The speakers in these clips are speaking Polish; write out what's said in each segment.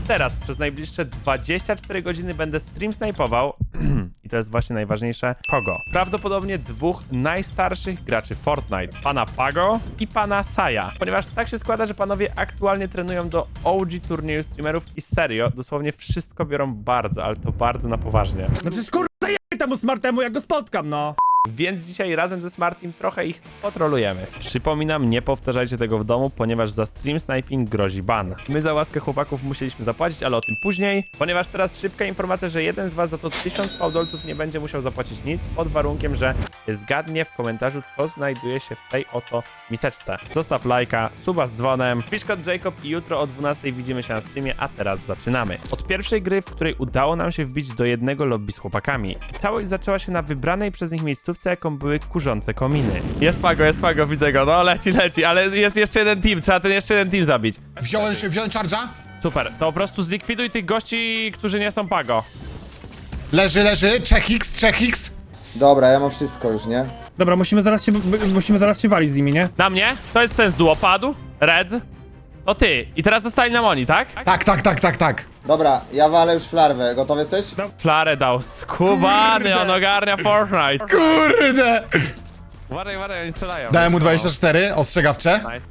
teraz przez najbliższe 24 godziny będę stream snajpował i to jest właśnie najważniejsze, kogo? Prawdopodobnie dwóch najstarszych graczy Fortnite, pana Pago i pana Saja, ponieważ tak się składa, że panowie aktualnie trenują do OG turnieju streamerów i serio, dosłownie wszystko biorą bardzo, ale to bardzo na poważnie. No przecież kurwa zajebaj temu smartemu, jak go spotkam, no. Więc dzisiaj razem ze Smartim trochę ich potrolujemy. Przypominam, nie powtarzajcie tego w domu, ponieważ za stream sniping grozi ban. My za łaskę chłopaków musieliśmy zapłacić, ale o tym później, ponieważ teraz szybka informacja, że jeden z was za to 1000 fałdolców nie będzie musiał zapłacić nic, pod warunkiem, że zgadnie w komentarzu, co znajduje się w tej oto miseczce. Zostaw lajka, suba z dzwonem, wpisz kod Jacob i jutro o 12 widzimy się na streamie, a teraz zaczynamy. Od pierwszej gry, w której udało nam się wbić do jednego lobby z chłopakami. Całość zaczęła się na wybranej przez nich miejscówce, jaką były kurzące kominy. Jest Pago, widzę go, no leci, ale jest jeszcze jeden team, trzeba ten jeszcze jeden team zabić. Wziąłem charge'a. Super, to po prostu zlikwiduj tych gości, którzy nie są Pago. Leży. 3x. Dobra, ja mam wszystko już, nie? Dobra, musimy zaraz się walić z nimi, nie? Na mnie? To jest ten z duo, padł, Red, to ty. I teraz zostali na Moni, tak? Tak. Dobra, ja walę już flarwę. Gotowy jesteś? Flarę dał, skubany, on ogarnia Fortnite. Kurde! Uważaj, oni strzelają. Dałem mu 24, ostrzegawcze. Nice.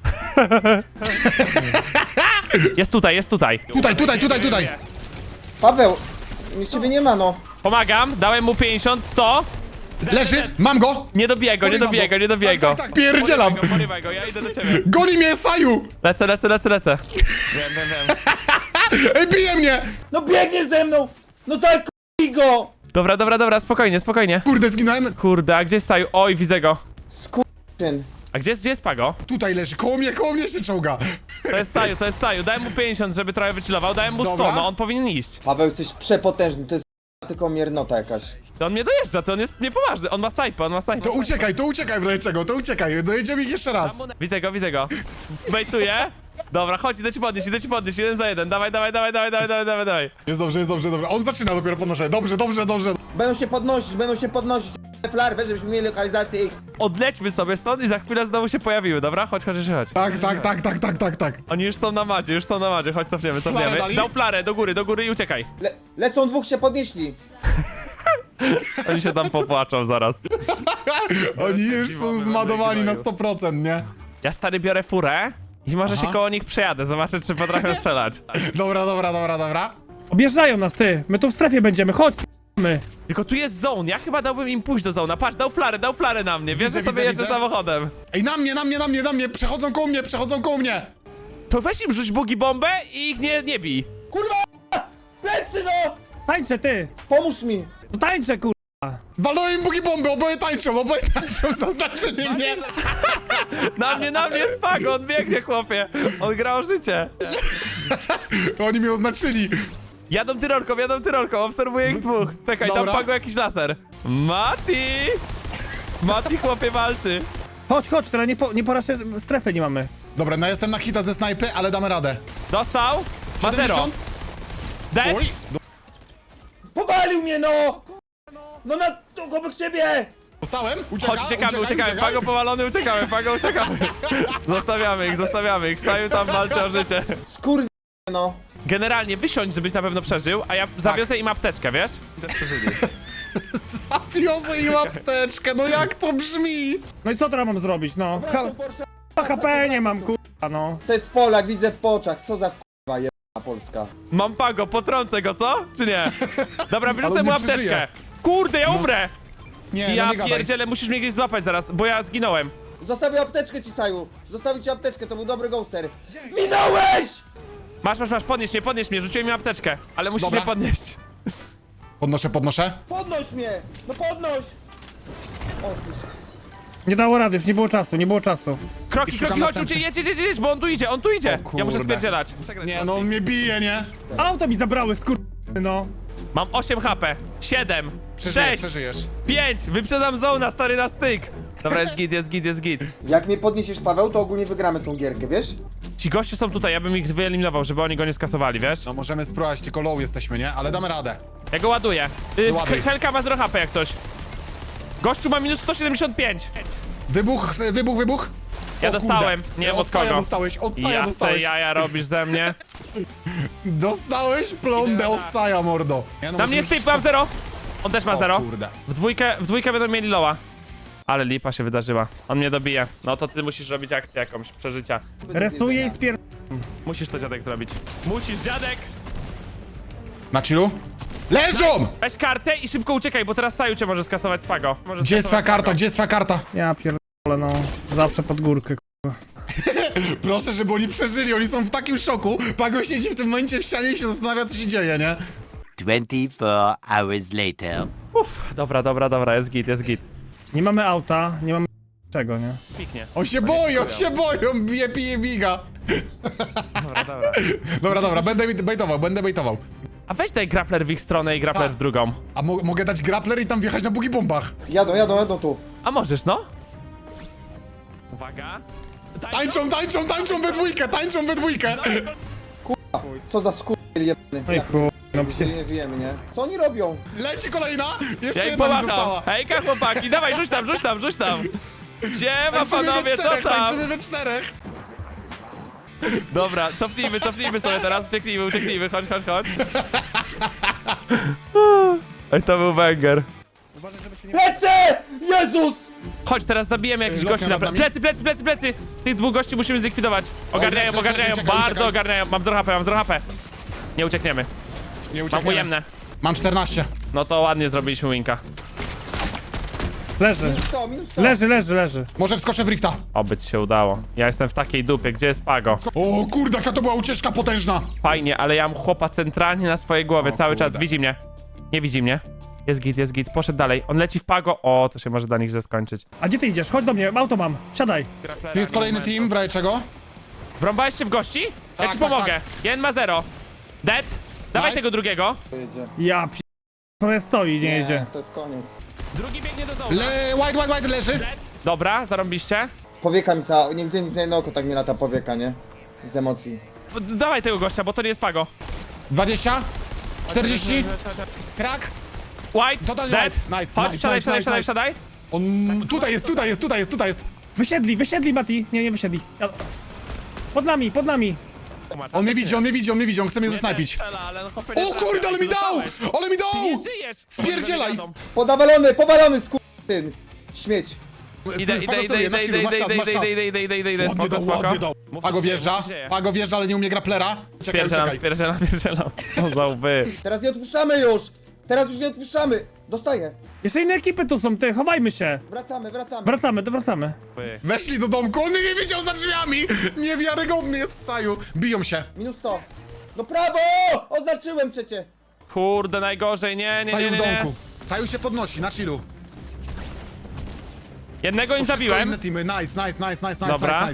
Jest tutaj. Tutaj. Paweł! Nic ciebie nie ma, no. Pomagam, dałem mu 50, 100. Leży, mam go! Nie dobijaj go. Tak, pierdzielam! Porywaj go, ja idę do ciebie. Goni mnie, Saju! Lecę. Wiem. Ej, bije mnie! No biegnie ze mną! No zakuj go! Dobra, spokojnie. Kurde, zginąłem. Kurde, a gdzie jest Saju? Oj, widzę go. Skurczyn. A gdzie jest Pago? Tutaj leży, koło mnie się czołga. To jest Saju. Dałem mu 50, żeby trochę wychillował, dałem mu 100, Dobra. no on powinien iść. Paweł, jesteś przepotężny, to jest tylko miernota jakaś. To on mnie dojeżdża, to on jest niepoważny, on ma snajpę. To uciekaj, wreszcie czego, to uciekaj. Dojedziemy ich jeszcze raz. Widzę go. Bejtuję. Dobra, chodź, idę ci podnieść, 1 za 1. Dawaj. Jest dobrze. On zaczyna dopiero podnoszę. Dobrze. Będą się podnosić. Flarwę, żebyśmy mieli lokalizację ich. Odlećmy sobie stąd i za chwilę znowu się pojawiły, dobra? Chodź. Tak. Oni już są na macie, chodź, cofniemy. dali? Dał flarę, do góry i uciekaj. Lecą, dwóch się podnieśli. Oni się tam popłaczą zaraz. Oni już są zmadowani na 100%, nie? Ja stary biorę furę i może się koło nich przejadę, zobaczę czy potrafią strzelać. Dobra. Objeżdżają nas, ty. My tu w strefie będziemy, chodź. My. Tylko tu jest zone, ja chyba dałbym im pójść do zona. Patrz, dał flarę na mnie, wiesz, że sobie widzę. jeżdżę samochodem. Ej, na mnie, przechodzą koło mnie. To weź im rzuć bugi bombę i ich nie bij. Kurwa! Plecy, no! Tańczę, ty. Pomóż mi! No tańczę, kur... Walą im bugi bomby, oboje tańczą, zaznaczyli mnie. Na mnie jest Pago, on biegnie, chłopie. On gra o życie. Oni mnie oznaczyli. Jadą tyrolką, obserwuję ich dwóch. Czekaj, Dobra. tam Pago jakiś laser. Mati, chłopie, walczy. Chodź, teraz nie po raz strefy nie mamy. Dobra, no jestem na hita ze snajpy, ale damy radę. Dostał. Ma 0. 70? Dead. Oj, Powalił mnie, no! No na tu obok ciebie! dostałem, Chodź, uciekamy. Pago powalony, uciekamy. Zostawiamy ich. Saju tam walczy o życie. Skurw... no. Generalnie wysiądź, żebyś na pewno przeżył, a ja zawiozę im apteczkę, wiesz? Zawiozę im apteczkę, no jak to brzmi? No i co teraz mam zrobić, no? HP nie mam, kurwa, no. To jest Polak, widzę w oczach. Co za kurwa jebana Polska. Mam Pago, potrącę go, co? Czy nie? Dobra, wyrzucę Ale mu nie apteczkę. przeżyje. Kurde, ja umrę! Nie, Ja no nie gadaj. pierdzielę, musisz mnie gdzieś złapać zaraz, bo ja zginąłem. Zostawił apteczkę ci, Saju. Zostawił ci apteczkę, to był dobry ghoster. Minąłeś! Masz, podnieś mnie, rzuciłem mi apteczkę, ale musisz Dobra. mnie podnieść. Podnoszę. Podnoś mnie! No podnoś! O, ty... Nie dało rady, już nie było czasu. Kroki, szukam chodź, następny. jedź, bo on tu idzie. O Ja muszę kurde. spierdzielać. Nie, no on mnie bije, nie? Auto mi zabrały, no. Mam 8 HP, 7, 6, Przeżyjesz. 5, wyprzedam zona, stary, na styk. Dobra, jest git. Jak mnie podniesiesz, Paweł, to ogólnie wygramy tą gierkę, wiesz? Ci goście są tutaj, ja bym ich wyeliminował, żeby oni go nie skasowali, wiesz? No możemy spróbować, tylko low jesteśmy, nie? Ale damy radę. Ja go ładuję. Ładuj. Helka ma 0 HP jak coś. Gościu ma minus 175. Wybuch. Ja O dostałem, kurde. nie wiem od Saja kogo. dostałeś, od Saja Ja se dostałeś. jaja robisz ze mnie. Dostałeś plombę od Saja, mordo. Ja, no, Na mnie jest typ, mam 0. On też ma O 0. kurde. W dwójkę będą mieli loa. Ale lipa się wydarzyła. On mnie dobije. No to ty musisz robić akcję jakąś, przeżycia. Resuję i spier... Musisz to, dziadek, zrobić. Musisz, dziadek! Na chillu? Leżą! Weź kartę i szybko uciekaj, bo teraz Saju cię może skasować z Pago. Może Gdzie jest twoja skasować karta? Pago. Gdzie jest twoja karta? Ja pierdolę, no. Zawsze pod górkę. Proszę, żeby oni przeżyli, oni są w takim szoku. Pago siedzi w tym momencie w ścianie i się zastanawia, co się dzieje, nie? 24 hours later. Uff, dobra, jest git, jest git. Nie mamy auta, nie mamy czego, nie? Piknie. On się boi, on się boi, on bije, pije, biga. Dobra. Dobra, będę baitował. A weź daj grappler w ich stronę i grappler A. w drugą. A mogę dać grappler i tam wjechać na bugi bombach. Jadą tu. A możesz, no? Uwaga. Tańczą we dwójkę. Co za skurwiel jebany. No i chuj, no Gdzie nie żyjemy, nie? Co oni robią? Leci kolejna, jeszcze Ja im jedna mi pomacham. została. Hejka, chłopaki, dawaj, rzuć tam. Gdzie ma Tańczymy panowie, we co czterech, tam? tańczymy we czterech. Dobra, cofnijmy sobie teraz, ucieknijmy, chodź. Oj, to był banger. Lecę! Jezus! Chodź, teraz zabijemy jakichś Lotnia gości na nad nami. plecy! Tych dwóch gości musimy zlikwidować. Ogarniają, uciekaj. bardzo ogarniają. Mam 0 HP. Nie uciekniemy. Nie Mam uciekniemy. ujemne. Mam 14. No to ładnie zrobiliśmy winka. Leży. Minus 100. Leży. Może wskoczę w rifta. Oby ci się udało. Ja jestem w takiej dupie, gdzie jest Pago? O kurde, jaka to była ucieczka potężna. Fajnie, ale ja mam chłopa centralnie na swojej głowie O cały kurde. czas. Widzi mnie. Nie widzi mnie. Jest git. Poszedł dalej. On leci w Pago. O, to się może dla nich źle skończyć. A gdzie ty idziesz? Chodź do mnie, auto mam. Siadaj. Tu jest kolejny team, w razie czego? Wrąbałeś się w gości? Ja Tak, ci tak, pomogę. tak. Jeden ma 0. Dead. Dawaj Nice. tego drugiego. Jedzie. Ja p... stoi, nie jedzie. to jest koniec. Drugi biegnie do dołu. White leży. Dobra, zarąbiście. Powieka mi za... Nie widzę nic na jedno oko, tak mi lata powieka, nie? Z emocji. Dawaj tego gościa, bo to nie jest Pago. 20. 40. Krak. White, Totalnie dead. white. Nice, Chodź, nice, wsiadaj. On tutaj jest. Wysiedli, Mati. Nie wysiedli. Pod nami. On mnie widzi, on chce mnie zasnajpić. Strzela, ale no chłopie, O nie kurde, trafia, ale mi dał! dostałeś. Ale mi Ty dał! nie żyjesz. Spierdzielaj. Powalony, skurwysyn. Śmieć. Idę, spoko. Mów, Pago co wjeżdża, się dzieje. ale nie umie grapplera. Czekaj. Spierdzielam. Co za łby. Teraz nie odpuszczamy już! Teraz już nie odpuszczamy! Dostaję. Jeszcze inne ekipy tu są, ty, chowajmy się. Wracamy. Wracamy. Weszli do domku, on mnie nie widział za drzwiami! Niewiarygodny jest Saju. Biją się. Minus 100. No prawo! Oznaczyłem przecie! Kurde, najgorzej, nie. Saju w domku. Saju się podnosi, na chillu. Jednego im zabiłem. Inne teamy, nice. Dobra.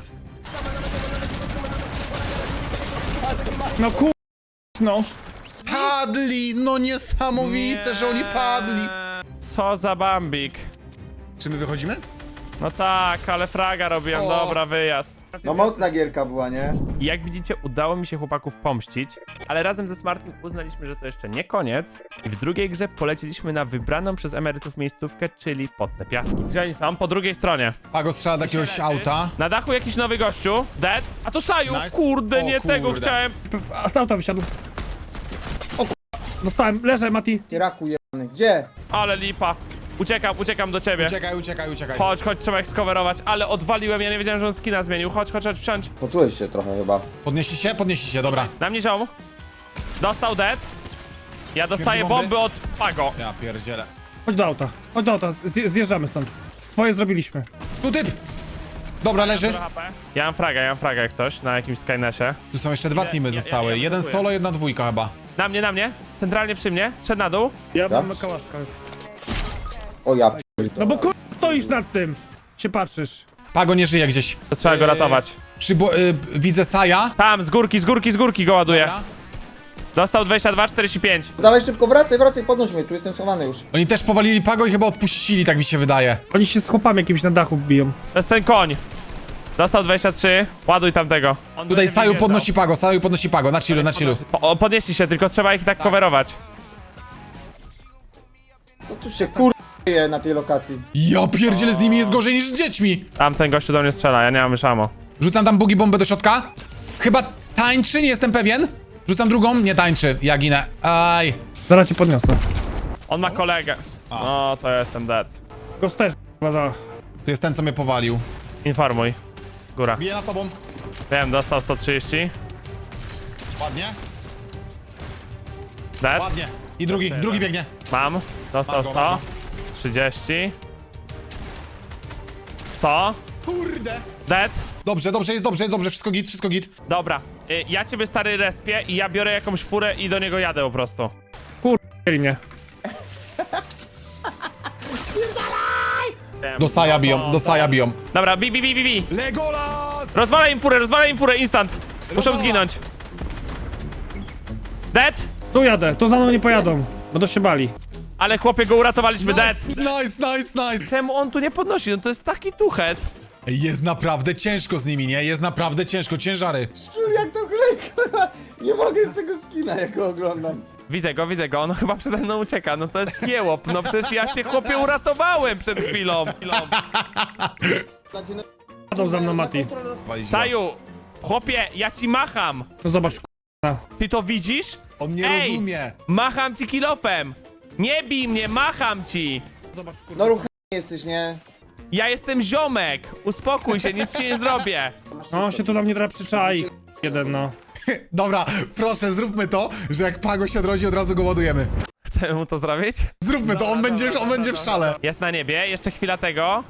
No no. Padli, no niesamowite, że oni padli. Co za bambik. Czy my wychodzimy? No tak, ale fraga robiłem, O. dobra, wyjazd. No mocna gierka była, nie? I jak widzicie, udało mi się chłopaków pomścić, ale razem ze Smartim uznaliśmy, że to jeszcze nie koniec. I w drugiej grze poleciliśmy na wybraną przez emerytów miejscówkę, czyli Potne Piaski. Gdzie oni są? Po drugiej stronie. Pago strzela do jakiegoś auta. Na dachu jakiś nowy gościu, dead. A to Saju, Nice. kurde, O nie tego kurde. chciałem. A z auta wysiadł. O dostałem, leżę, Mati. Ty raku jebany. Gdzie? Ale lipa. Uciekam do ciebie. Uciekaj. Chodź, trzeba ich skowerować, ale odwaliłem, ja nie wiedziałem, że on skina zmienił. Chodź, wsiądź. Poczułeś się trochę chyba. Podnieśli się, dobra. Na mnie ziom. Dostał dead. Ja dostaję Śmierdzi bomby? bomby od Pago. Ja pierdzielę. Chodź do auta, zjeżdżamy stąd. Swoje zrobiliśmy. Tu typ! Dobra, leży. Ja mam fraga jak coś, na jakimś Skynesie. Tu są jeszcze dwa teamy ja zostały. Jeden atakuję. solo, jedna dwójka chyba. Na mnie, centralnie przy mnie, szedł na dół. Ja Tak? mam kałaszka już. O ja No bo stoisz nad tym. Się patrzysz. Pago nie żyje gdzieś. To trzeba go ratować. Widzę Saja. Tam, z górki go ładuję. Dobra. Dostał 22-45. Dawaj szybko, wracaj, podnoś mnie, tu jestem schowany już. Oni też powalili Pago i chyba odpuścili, tak mi się wydaje. Oni się z chłopami jakimś na dachu biją. To jest ten koń. Dostał 23, ładuj tamtego. On Tutaj będzie Saju wyjeżdżał. podnosi Pago, na chillu. Podnieśli się, tylko trzeba ich tak coverować. Co tu się kurwa na tej lokacji? Ja pierdzielę, z nimi jest gorzej niż z dziećmi. Tamten gościu do mnie strzela, ja nie mam już ammo. Rzucam tam bugi bombę do środka. Chyba tańczy, nie jestem pewien. Rzucam drugą, nie tańczy, ja ginę. Aj. Zaraz cię podniosę. On ma kolegę. No, to ja jestem dead. Go też za. To jest ten, co mnie powalił. Informuj. Góra. Bije na tobą. Wiem, dostał 130. Ładnie, Dead. ładnie. I drugi biegnie. Mam. Dostał Mam go, mam 100. 30. 100. Kurde. Dead. Dobrze, jest dobrze, wszystko git. Dobra. Ja ciebie stary respię i ja biorę jakąś furę i do niego jadę po prostu. Mieli mnie. Do Saja biją. Dobra, bi. Legolas! Rozwalaj im furę, instant. Muszą zginąć. Dead. Tu jadę, tu za mną nie pojadą. Będą się bali. Ale chłopie, go uratowaliśmy, dead. Nice. Czemu on tu nie podnosi? No to jest taki tuchet. Ej, jest naprawdę ciężko z nimi, nie? Jest naprawdę ciężko, ciężary. Szczur, jak to chlej, kurwa. Nie mogę z tego skina, jak go oglądam. Widzę go, on chyba przede mną ucieka, no to jest jełop, no przecież ja cię chłopie uratowałem przed chwilą. Znaczy, no, Jadą za mną, Mati. Saju, chłopie, ja ci macham. No zobacz, Ty to widzisz? On nie Ej! rozumie. Macham ci kilofem. Nie bij mnie, macham ci. Zobacz, no ruch jesteś, nie? Ja jestem ziomek, uspokój się, nic ci nie zrobię. No, się tu na mnie teraz przyczai. Jeden, no. Dobra, proszę, zróbmy to, że jak Pago się odrodzi, od razu go ładujemy. Chcemy mu to zrobić? Zróbmy to, on będzie w szale. Jest na niebie, jeszcze chwila tego.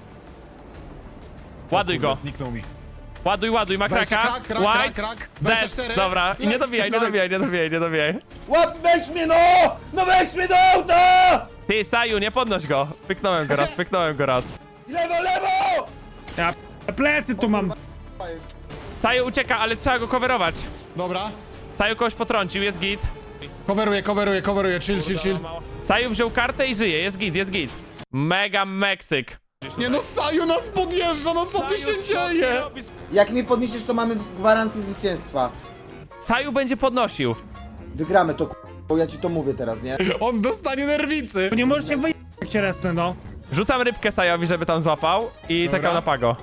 Ładuj go, Zniknął mi. ładuj, ma kraka. White, krak. dead. 24. Dobra, i nie dobijaj. Łap, weź mnie, no! No weź mnie do auta! Ty, Saju, nie podnoś go. Pyknąłem go raz. Lewo! Ja plecy tu mam. Jest. Saju ucieka, ale trzeba go coverować. Dobra. Saju kogoś potrącił, jest git. Coveruję, chill. Saju wziął kartę i żyje, jest git. Mega Meksyk. Nie no, Saju nas podjeżdża, no co tu się dzieje? Jak mnie podniesiesz, to mamy gwarancję zwycięstwa. Saju będzie podnosił. Wygramy to, bo ja ci to mówię teraz, nie? On dostanie nerwicy. Tu nie możecie wyjść, jak cię resnę, no. Rzucam rybkę Sajowi, żeby tam złapał i Dobra. czekam na Pago.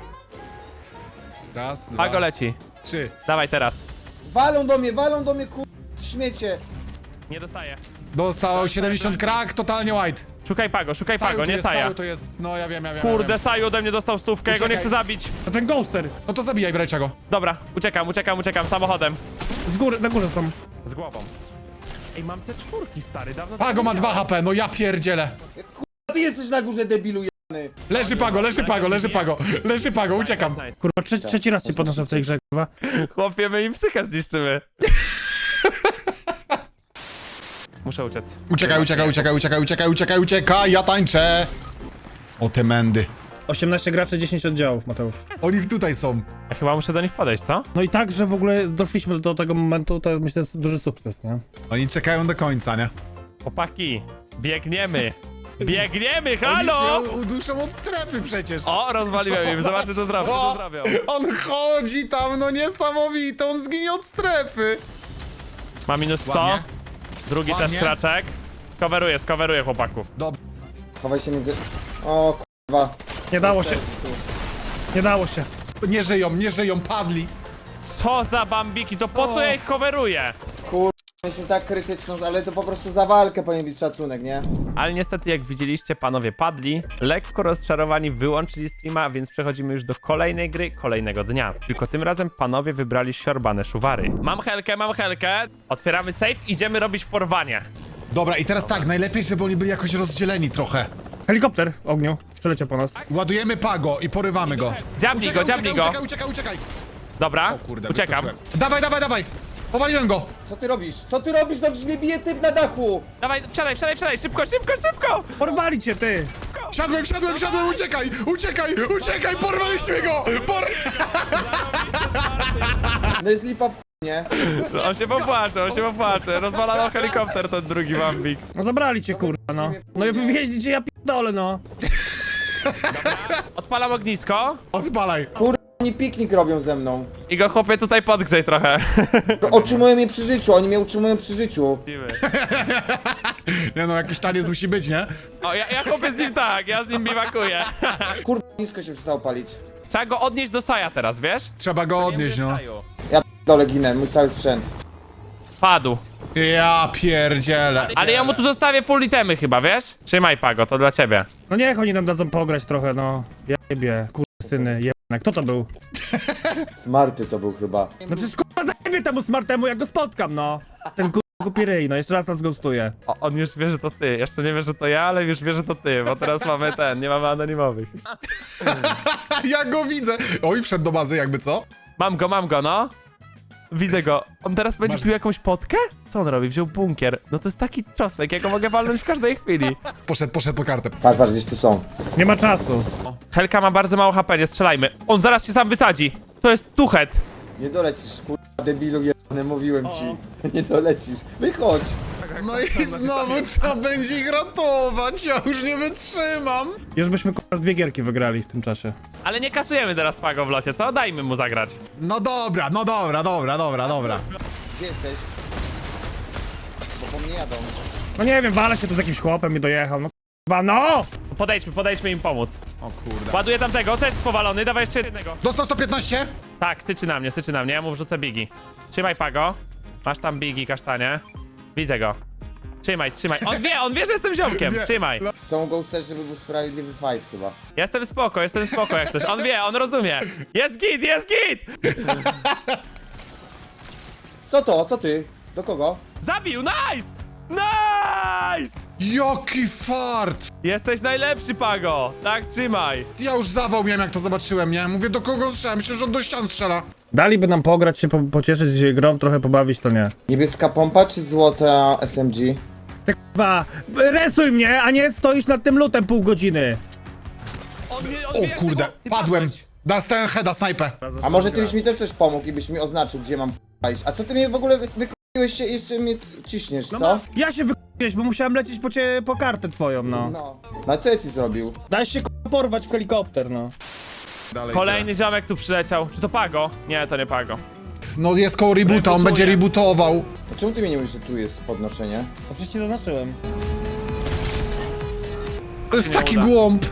Raz, dwa, Pago leci. 3. Dawaj teraz. Walą do mnie, śmiecie. Nie dostaje. Dostał 70 krak, totalnie white. Szukaj Pago, Saju nie jest, Saja. Saju to jest, no ja wiem. Kurde, Saju ode mnie dostał stówkę, ja go nie Uciekaj. chcę zabić. To ten ghoster. No to zabijaj, brajcia go. Dobra, uciekam samochodem. Z góry, na górze są. Z głową. Ej, mam C4, stary, dawno Pago tego ma nie 2 miałem. HP, no ja pierdzielę. Ty jesteś na górze, debilu jebany. Leży Pago, uciekam. Nice. Kurwa, trzeci raz cię podnoszę w tej grze, kurwa. Chłopie, my im psychę zniszczymy. Muszę uciec. Uciekaj, ja tańczę. O te mędy. 18 graczy, 10 oddziałów, Mateusz. Oni tutaj są. Ja chyba muszę do nich podejść, co? No i tak, że w ogóle doszliśmy do tego momentu, to myślę, że jest duży sukces, nie? Oni czekają do końca, nie? Chłopaki, biegniemy, halo! Oni się uduszą od strefy przecież. O, rozwaliłem im, zobaczmy co zrobią, O, on chodzi tam, no niesamowite, on zginie od strefy. Ma minus 100, Ładnie. drugi Ładnie. też kraczek. Skoweruję chłopaków. Dobrze. Chowaj się między... O, kurwa. Nie dało się, nie dało się. Nie żyją, padli. Co za bambiki, to po co ja ich coveruję? Kurwa, myślę tak krytyczną, ale to po prostu za walkę powinien być szacunek, nie? Ale niestety, jak widzieliście, panowie padli. Lekko rozczarowani wyłączyli streama, więc przechodzimy już do kolejnej gry, kolejnego dnia. Tylko tym razem panowie wybrali siorbane szuwary. Mam helkę. Otwieramy safe, idziemy robić porwanie. Dobra, i teraz tak, najlepiej, żeby oni byli jakoś rozdzieleni trochę. Helikopter w ogniu przeleciał po nas. Ładujemy Pago i porywamy go. Dziabnij go. Uciekaj. Dobra, O kurde, uciekam. wyskoczyłem. Dawaj. Powaliłem go. Co ty robisz? No przecież mnie bije typ na dachu! Dawaj, wsiadaj, szybko! Porwali cię, ty! Wsiadłem, uciekaj, porwaliśmy go. No jest lipa w chuj, nie? On się popłacze. Rozwalano helikopter ten drugi bambik. No zabrali cię, kurwa, no. No i wywieźli cię, ja pierdolę, no. Odpalam ognisko Odpalaj. Oni piknik robią ze mną. i go chłopie tutaj podgrzej trochę. Utrzymują mnie przy życiu, oni mnie utrzymują przy życiu. Nie no, jakiś taniec musi być, nie? O, ja chłopie z nim tak, ja z nim biwakuję. Kurwa, nisko się przestało palić. Trzeba go odnieść do Saja teraz, wiesz? Trzeba go odnieść, no. Saju. Ja dole ginę, mój cały sprzęt. Padł. Ja pierdzielę. Ale ja mu tu zostawię full itemy chyba, wiesz? Trzymaj, Pago, to dla ciebie. No niech oni nam dadzą pograć trochę, no. Jebie, syny, jebne. Kto to był? Smarty to był chyba. No przecież kurwa zajebie temu smartemu, jak go spotkam, no. Ten kurwa głupi ryj, no jeszcze raz nas ghostuje. On już wie, że to ty. Jeszcze nie wie, że to ja, ale już wie, że to ty, bo teraz mamy nie mamy anonimowych. Ja go widzę. Oj, wszedł do bazy jakby co? Mam go, no. Widzę go. On teraz będzie pił jakąś potkę? Co on robi? Wziął bunkier. No to jest taki czosnek, ja go mogę walnąć w każdej chwili. Poszedł po kartę. Patrz, gdzieś tu są. Nie ma czasu. Helka ma bardzo mało HP, nie strzelajmy. On zaraz się sam wysadzi. To jest tuchet. Nie dolecisz, kurwa, debilu jebany, mówiłem ci. Nie dolecisz. Wychodź. No i znowu trzeba będzie ich ratować, ja już nie wytrzymam. Już byśmy kurwa 2 gierki wygrali w tym czasie. Ale nie kasujemy teraz Pago w locie, co? Dajmy mu zagrać. No dobra. Gdzie jesteś? Bo po mnie jadą. No nie wiem, walę się tu z jakimś chłopem i dojechał, no kurwa, no! Podejdźmy im pomóc. O kurde. Ładuję tamtego, też spowalony, dawaj jeszcze jednego. Dostał 115? Tak, syczy na mnie, ja mu wrzucę bigi. Trzymaj, Pago. Masz tam bigi, kasztanie. Widzę go. Trzymaj. On wie, że jestem ziomkiem. Wie. Trzymaj. Chcą go ustać, żeby był sprawiedliwy fight chyba. Jestem spoko jak coś. On wie, on rozumie. Jest git! Co to? Co ty? Do kogo? Zabił, nice! Nice! Jaki fart! Jesteś najlepszy, Pago. Tak, trzymaj. Ja już zawał miałem, jak to zobaczyłem, nie? Mówię, do kogo strzelam? Myślę, że on do ścian strzela. Daliby nam pograć się, pocieszyć się grą, trochę pobawić, to nie. Niebieska pompa czy złota SMG? Ty kurwa, resuj mnie, a nie stoisz nad tym lutem pół godziny. On wie, O kurde, Ty padłem. padłeś. Dostałem heada, snajpę. A może ty byś mi też coś pomógł i byś mi oznaczył, gdzie mam iść. A co ty mnie w ogóle wykupiłeś się, jeszcze mnie ciśniesz, co? Ja się wykupiłeś, bo musiałem lecieć po kartę twoją, no. No. No a co ja ci zrobił? Daj się kurwa porwać w helikopter, no. Dalej, Kolejny ziomek tu przyleciał. Czy to Pago? Nie, to nie Pago. No jest koło reboota, on będzie rebootował. A czemu ty mi nie mówisz, że tu jest podnoszenie? No przecież ci zaznaczyłem. To jest Nie taki uda. głąb.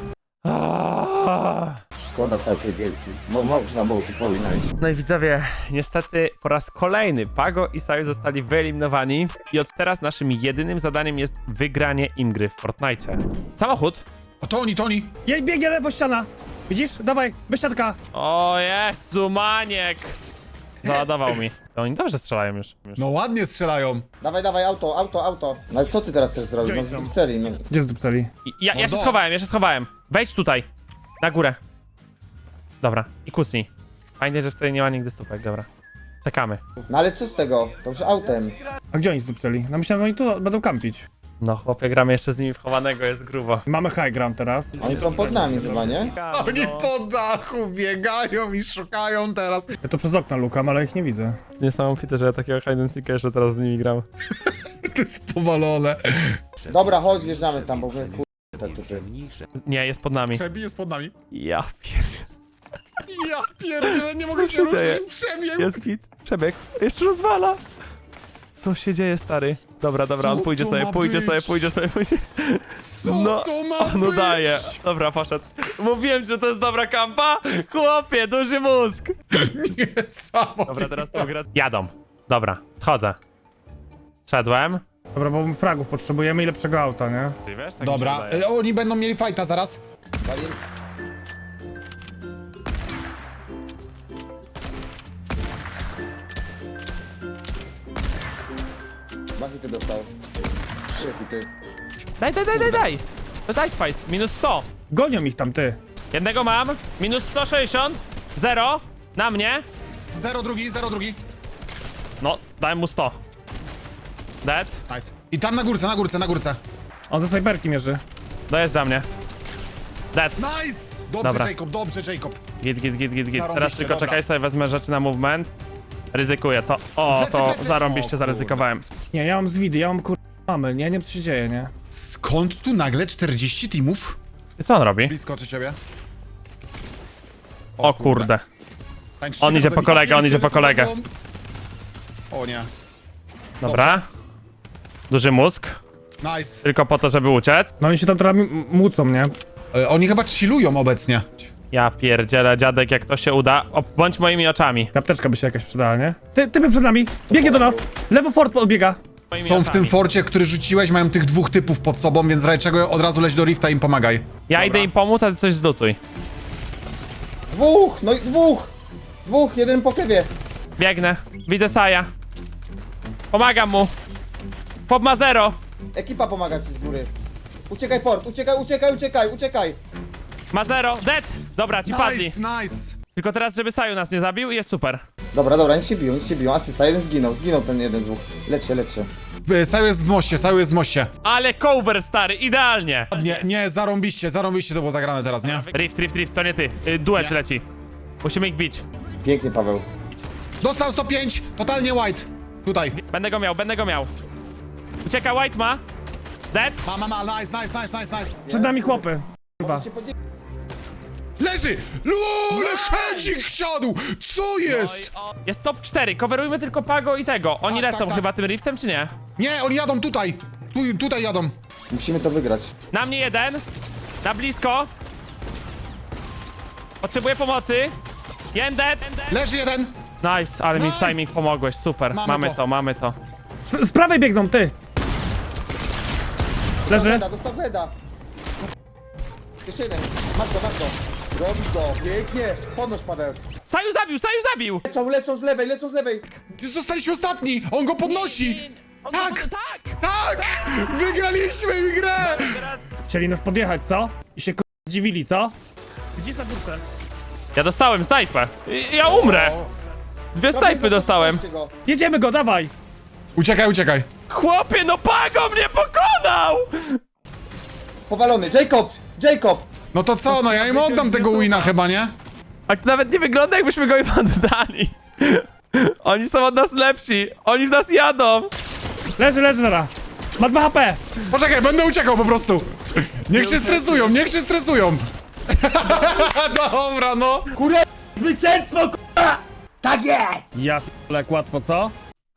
Szkoda takiej wielki. Można było tu powinąć. No i widzowie, niestety po raz kolejny Pago i Saju zostali wyeliminowani i od teraz naszym jedynym zadaniem jest wygranie im gry w Fortnite. Samochód. O, to oni. Jej, biegnie lewo ściana. Widzisz? Dawaj, bez siatka. O Jezu, maniek! Załadował mi. To oni dobrze strzelają już. No ładnie strzelają. Dawaj, auto. No ale co ty teraz chcesz zrobić? No Gdzie oni w są? serii, no. Gdzie zdupceli? Ja się Mordo. schowałem. Wejdź tutaj. Na górę. Dobra, i kucnij. Fajnie, że wtedy nie ma nigdy stópek, dobra. Czekamy. No ale co z tego? To już autem. A gdzie oni zdupceli? No myślałem, że oni tu będą kampić. No chłopie, gramy jeszcze z nimi w chowanego, jest grubo. Mamy high ground teraz. Oni są pod nami chyba, nie? Oni No. po dachu biegają i szukają teraz. Ja to przez okno lukam, ale ich nie widzę. Niesamowite, że ja takiego hide and seeka jeszcze teraz z nimi gram. To jest powalone. Dobra, chodź, wjeżdżamy tam, bo wy te typy. Nie, jest pod nami. Przebi jest pod nami. Ja pierdzie. Ja pierdzielę, nie mogę Co się się dzieje? ruszyć. Przebiegł. Jest git. Przebieg. Jeszcze rozwala. Co się dzieje, stary? Dobra, Co on pójdzie to sobie, ma pójdzie być? sobie. Co No, to ma on być? udaje. Dobra, poszedł. Mówiłem, że to jest dobra kampa. Chłopie, duży mózg. Niesamowite. Dobra, teraz to gra. Jadą. Dobra, schodzę. Szedłem. Dobra, bo fragów potrzebujemy i lepszego auta, nie? Ty wiesz, tak mi się Dobra, wydaje. oni będą mieli fajta zaraz. Wali- Dwa hity dostał. 3 hity. Daj. To jest Ice Spice. Minus 100. Gonią ich tam, ty. Jednego mam. Minus 160. 0. Na mnie. 0-2. No, dałem mu 100. Dead. Nice. I tam na górce. On ze snajperki mierzy. Dojeżdża mnie. Dead. Nice! Dobra. Dobrze, Jacob. Git. Zarąbiście, Teraz tylko dobra. czekaj, sobie wezmę rzeczy na movement. Ryzykuję, co? O, to Plecy. zarąbiście O, zaryzykowałem. Nie, ja mam zwidy, ja mam mamy, nie wiem co się dzieje, nie? Skąd tu nagle 40 teamów? I co on robi? Blisko czy ciebie? O kurde. Tańczycie On idzie razem po i kolegę, on idzie po pierdzielę, co kolegę. za dom. O nie. Dobra. Duży mózg. Nice. Tylko po to, żeby uciec. No oni się tam teraz mucą, nie? Oni chyba chillują obecnie. Ja pierdzielę, dziadek, jak to się uda. O, bądź moimi oczami. Apteczka by się jakaś przydała, nie? Typy przed nami. Biegnie do nas. Lewo fort podbiega. Moimi Są w tym oczami. forcie, który rzuciłeś, mają tych dwóch typów pod sobą, więc w razie czego od razu leć do rifta i im pomagaj. Ja idę im pomóc, a ty coś zlutuj. Dwóch, no i dwóch! Dwóch, jeden po kewie. Biegnę. Widzę Saja. Pomagam mu. Pop ma 0. Ekipa pomaga ci z góry. Uciekaj port, uciekaj! Ma 0. Dead! Dobra, ci padli. Nice, nice. Tylko teraz, żeby Saju nas nie zabił i jest super. Dobra, nic się biją. Asysta, jeden zginął ten jeden z dwóch. Lecz się. Saju jest w moście. Ale cover, stary, idealnie. Nie, zarąbiście to było zagrane teraz, nie? Rift, to nie ty. Duet Nie. leci. Musimy ich bić. Pięknie, Paweł. Dostał 105, totalnie white. Tutaj. Będę go miał. Ucieka, White ma. Dead. Ma, nice. Przed nami chłopy. Może się podzielić. Leży! Lule, hedzik wsiadł! Co jest? Jest top 4, coverujmy tylko Pago i tego. Oni Tak, lecą tak. chyba tym riftem, czy nie? Nie, oni jadą tutaj. Tutaj jadą. Musimy to wygrać. Na mnie jeden. Na blisko. Potrzebuję pomocy. Jeden dead. Leży jeden. Nice, ale mi w Nice. timing pomogłeś, super. Mamy to. Z prawej biegną, ty. Leży. Dostał heada. Jeszcze jeden. Masz go. Robi go, pięknie. Podnoś, Paweł. Saju zabił! Lecą z lewej. Zostaliśmy ostatni. On go podnosi. On Tak. Tak! Wygraliśmy grę. Chcieli nas podjechać, co? I się zdziwili, co? Gdzie ta górka? Ja dostałem snajpę. Ja umrę. 2 snajpy dostałem. Zostawcie go. Jedziemy go, dawaj. Uciekaj. Chłopie, no Pago mnie pokonał! Powalony. Jacob. No to co, no ja im oddam tego wina chyba, nie? A to nawet nie wygląda, jakbyśmy go im oddali. Oni są od nas lepsi. Oni w nas jadą. Leży, nara. Ma 2 HP. Poczekaj, będę uciekał po prostu. Niech się stresują. Dobra, no. Kurę, zwycięstwo, kurwa! Tak jest! Ja p***lek, łatwo, co?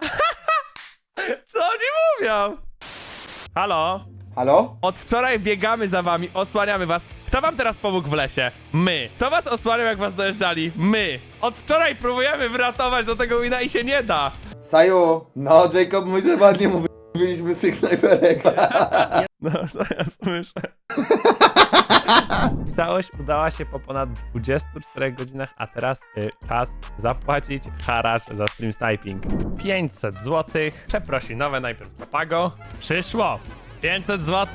Co oni mówią? Halo? Halo? Od wczoraj biegamy za wami, osłaniamy was. Kto wam teraz pomógł w lesie? My. Kto was osłaniał, jak was dojeżdżali? My. Od wczoraj próbujemy wyratować do tego wina i się nie da. Saju, no Jacob, mój, że ładnie mu byliśmy z tych snajperek. No, co ja słyszę? Całość udała się po ponad 24 godzinach, a teraz czas zapłacić haracz za stream sniping. 500 zł. Przeprosinowe najpierw Pago. Przyszło. 500 zł.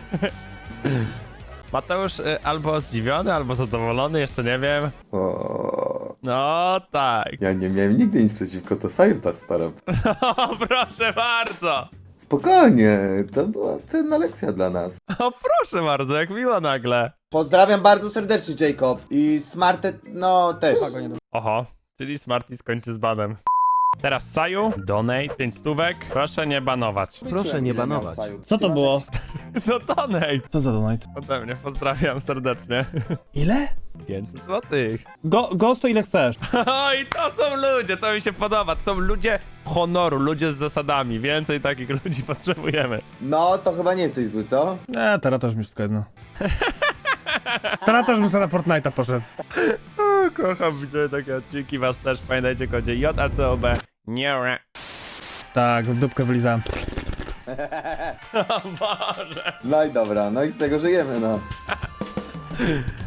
Mateusz albo zdziwiony, albo zadowolony, jeszcze nie wiem. O, No tak. ja nie miałem nigdy nic przeciwko, to Saju ta stara. O, proszę bardzo. Spokojnie, to była cenna lekcja dla nas. O, proszę bardzo, jak miło nagle. Pozdrawiam bardzo serdecznie, Jacob. I Smartet, no też. Oho, czyli Smarty skończy z banem. Teraz Saju, donate 5 stówek. Proszę nie banować. Proszę nie banować. Co to było? No donate. Co za donate? Ode mnie pozdrawiam serdecznie. Ile? 500 złotych. Ghost to ile chcesz? O, i to są ludzie, to mi się podoba. To są ludzie honoru, ludzie z zasadami. Więcej takich ludzi potrzebujemy. No, to chyba nie jesteś zły, co? Nie, teraz też mi wszystko jedno. Teraz też bym sobie na Fortnite'a poszedł. O, kocham widzieć takie odcinki, was też. Pamiętajcie kodzie JACOB. Nie. Tak, w dupkę wylizałem. O Boże. No i dobra, no i z tego żyjemy, no.